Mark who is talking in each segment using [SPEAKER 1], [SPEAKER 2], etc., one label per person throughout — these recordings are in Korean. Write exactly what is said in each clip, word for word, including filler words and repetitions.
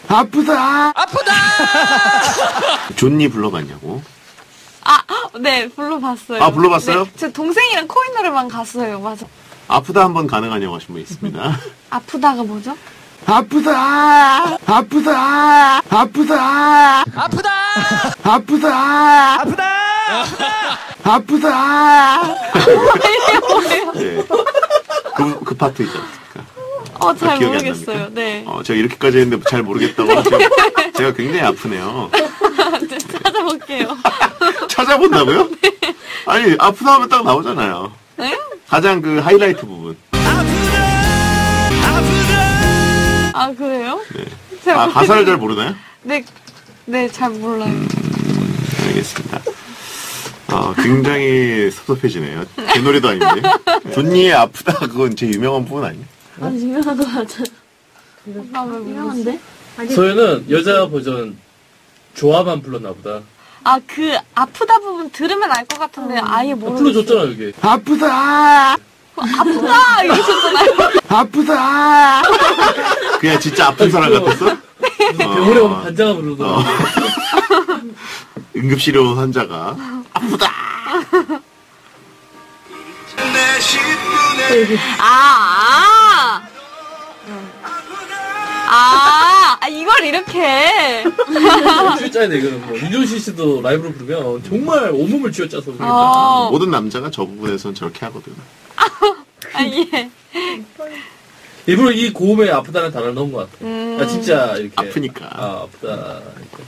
[SPEAKER 1] 아프다!
[SPEAKER 2] 아프다!
[SPEAKER 1] 존니 불러봤냐고?
[SPEAKER 3] 아, 네, 불러봤어요.
[SPEAKER 1] 아, 불러봤어요?
[SPEAKER 3] 네, 제 동생이랑 코인 노래방 갔어요, 맞아.
[SPEAKER 1] 아프다 한번 가능하냐고 하신 분 있습니다.
[SPEAKER 3] 아프다가 뭐죠?
[SPEAKER 1] 아프다! 아프다! 아프다!
[SPEAKER 2] 아프다!
[SPEAKER 1] 아프다!
[SPEAKER 2] 아프다!
[SPEAKER 1] 아프다!
[SPEAKER 3] 뭐예요, 뭐예요?
[SPEAKER 1] 네. 그, 그 파트 있지 않습니까?
[SPEAKER 3] 어, 잘
[SPEAKER 1] 기억이 안
[SPEAKER 3] 모르겠어요,
[SPEAKER 1] 납니까?
[SPEAKER 3] 네.
[SPEAKER 1] 어, 제가 이렇게까지 했는데 잘 모르겠다고. 제가, 제가 굉장히 아프네요.
[SPEAKER 3] 네, 찾아볼게요.
[SPEAKER 1] 찾아본다고요? 네. 아니, 아프다 하면 딱 나오잖아요.
[SPEAKER 3] 네?
[SPEAKER 1] 가장 그 하이라이트 부분.
[SPEAKER 3] 아, 그래요?
[SPEAKER 1] 네.
[SPEAKER 3] 잘
[SPEAKER 1] 아, 가사를 잘 모르나요?
[SPEAKER 3] 네, 네, 잘 몰라요.
[SPEAKER 1] 음, 알겠습니다. 어, 굉장히 섭섭해지네요. 제 노래도 아닌데. 존니의 아프다, 그건 제 유명한 부분 아니에요?
[SPEAKER 4] 아, 유명한 거 맞아.
[SPEAKER 3] 아, 왜
[SPEAKER 4] 유명한데?
[SPEAKER 5] 소연은 여자 버전 조화만 불렀나 보다.
[SPEAKER 3] 아, 그, 아프다 부분 들으면 알 것 같은데, 아예
[SPEAKER 5] 아,
[SPEAKER 3] 모르겠어요.
[SPEAKER 5] 불러줬잖아, 여기.
[SPEAKER 1] 아프다!
[SPEAKER 3] 아프다! 이러셨잖아요.
[SPEAKER 1] 아프다! 그냥 진짜 아픈 사람 같았어?
[SPEAKER 5] 병원에 오면 반장아 부르더라.
[SPEAKER 1] 어. 응급실로 환자가 아프다!
[SPEAKER 3] 아, 아. 아, 아, 이걸 이렇게.
[SPEAKER 5] 쥐어짜야 돼, 이거는 뭐. 윤종신 씨도 라이브로 부르면 정말 온몸을 쥐어짜서 부르겠다.
[SPEAKER 3] 어.
[SPEAKER 1] 모든 남자가 저 부분에서는 저렇게 하거든.
[SPEAKER 3] 아, 예.
[SPEAKER 5] 일부러 이 고음에 아프다는 단어를 넣은 것 같아.
[SPEAKER 3] 음.
[SPEAKER 5] 아, 진짜 이렇게.
[SPEAKER 1] 아프니까.
[SPEAKER 5] 아, 아프다.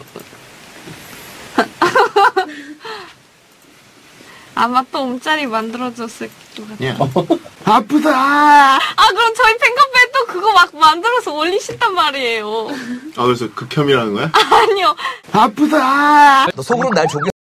[SPEAKER 3] 아마 또 움짤이 만들어졌을 것 같아요.
[SPEAKER 1] 야. 아프다! 아,
[SPEAKER 3] 아, 그럼 저희 팬카페에 또 그거 막 만들어서 올리신단 말이에요.
[SPEAKER 1] 그래서 극혐이라는 거야?
[SPEAKER 3] 아니요.
[SPEAKER 1] 아프다!
[SPEAKER 2] 너 속으로 날 조개